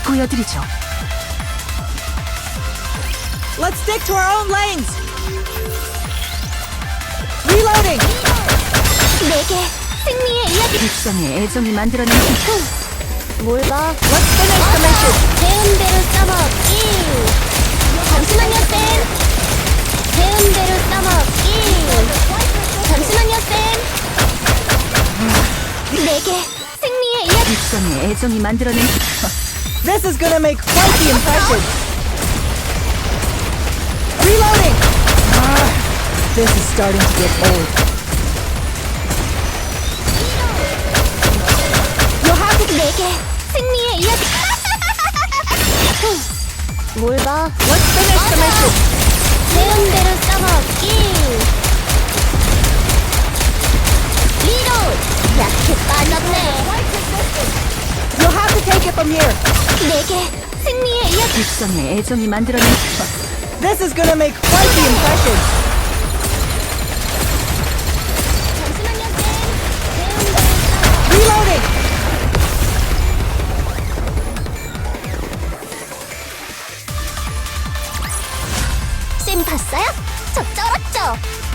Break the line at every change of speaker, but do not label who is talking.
보여드리죠.
Let's stick to our own lanes. Reloading.
내게 승리의 이야기.
일상의 애정이 만들어낸
뭘 봐?
Let's finish the mission.
배운대로 써먹기. 잠시만요, 쌤. 배운대로 써먹기. 잠시만요, 쌤. 내게 승리의 이야기.
일상의 애정이 만들어낸
This is gonna make quite the impression. Reloading. This is starting to get old. You'll have to.
내게 승리의 이야기. 뭘 봐?
Let's finish the mission.
배운대로 써먹기. 리로드. 약해 빠졌네.
You'll have to take it from here.
내게 승리의 이야기.
일상의 애정이 만들어낸
This is gonna make quite the impression.
잠시만요, 쌤. 배운대로
Reloading.
쌤 봤어요? 저 쩔었죠?